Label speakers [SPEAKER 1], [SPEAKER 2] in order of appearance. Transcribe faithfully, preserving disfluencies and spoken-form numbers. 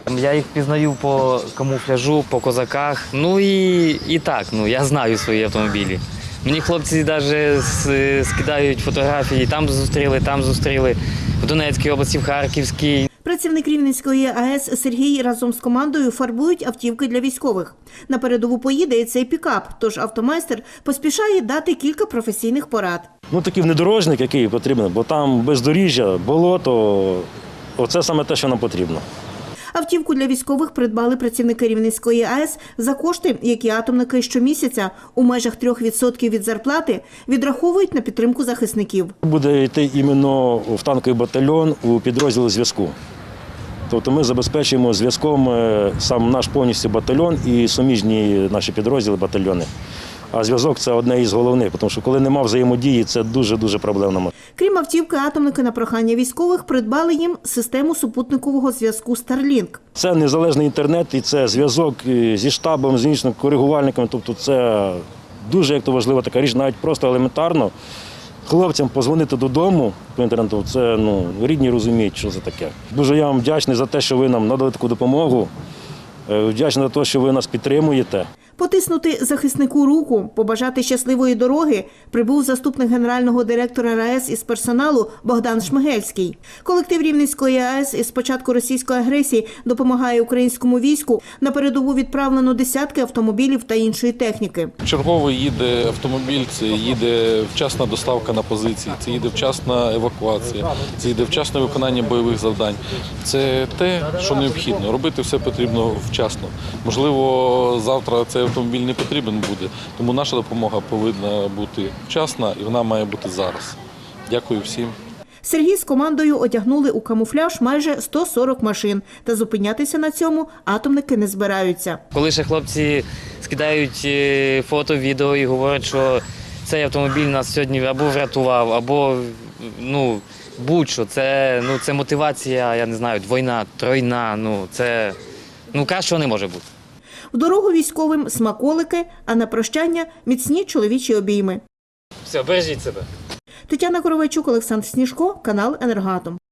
[SPEAKER 1] Я їх пізнаю по камуфляжу, по козаках. Ну і, і так, ну, я знаю свої автомобілі. Мені хлопці навіть скидають фотографії, там зустріли, там зустріли, в Донецькій області, в Харківській.
[SPEAKER 2] Працівник Рівненської АЕС Сергій разом з командою фарбують автівки для військових. На передову поїде і цей пікап, тож автомайстер поспішає дати кілька професійних порад.
[SPEAKER 3] Ну, такий внедорожник, який потрібен, бо там бездоріжжя, болото, оце саме те, що нам потрібно.
[SPEAKER 2] Автівку для військових придбали працівники Рівненської АЕС за кошти, які атомники щомісяця у межах трьох відсотків від зарплати відраховують на підтримку захисників.
[SPEAKER 3] Буде йти іменно в танковий батальйон у підрозділ зв'язку. Тобто ми забезпечуємо зв'язком сам наш повністю батальйон і суміжні наші підрозділи, батальйони. А зв'язок – це одне із головних, тому що коли немає взаємодії, це дуже-дуже проблемно.
[SPEAKER 2] Крім автівки, атомники на прохання військових придбали їм систему супутникового зв'язку Starlink.
[SPEAKER 3] Це незалежний інтернет і це зв'язок зі штабом, з іншими коригувальниками. Тобто це дуже як то важлива така річ, навіть просто елементарно. Хлопцям позвонити додому по інтернету, це ну, рідні розуміють, що це таке. Дуже я вам вдячний за те, що ви нам надали таку допомогу. Вдячний за те, що ви нас підтримуєте.
[SPEAKER 2] Потиснути захиснику руку, побажати щасливої дороги прибув заступник генерального директора РаЕС із персоналу Богдан Шмигельський. Колектив Рівненської АЕС із початку російської агресії допомагає українському війську. На передову відправлено десятки автомобілів та іншої техніки.
[SPEAKER 4] Черговий їде автомобіль, це їде вчасна доставка на позиції, це їде вчасна евакуація, це їде вчасне виконання бойових завдань. Це те, що необхідно. Робити все потрібно вчасно. Можливо, завтра цей автомобіль не потрібен буде, тому наша допомога повинна бути вчасна і вона має бути зараз. Дякую всім.
[SPEAKER 2] Сергій з командою одягнули у камуфляж майже сто сорок машин. Та зупинятися на цьому атомники не збираються.
[SPEAKER 1] Коли ще хлопці скидають фото, відео і говорять, що цей автомобіль нас сьогодні або врятував, або ну, будь-що. Це, ну, це мотивація, я не знаю, двойна, тройна, ну, це ну, кращого не може бути.
[SPEAKER 2] В дорогу військовим смаколики, а на прощання міцні чоловічі обійми.
[SPEAKER 1] Все, бережіть себе.
[SPEAKER 2] Тетяна Коровайчук, Олександр Сніжко, канал «Енергоатом».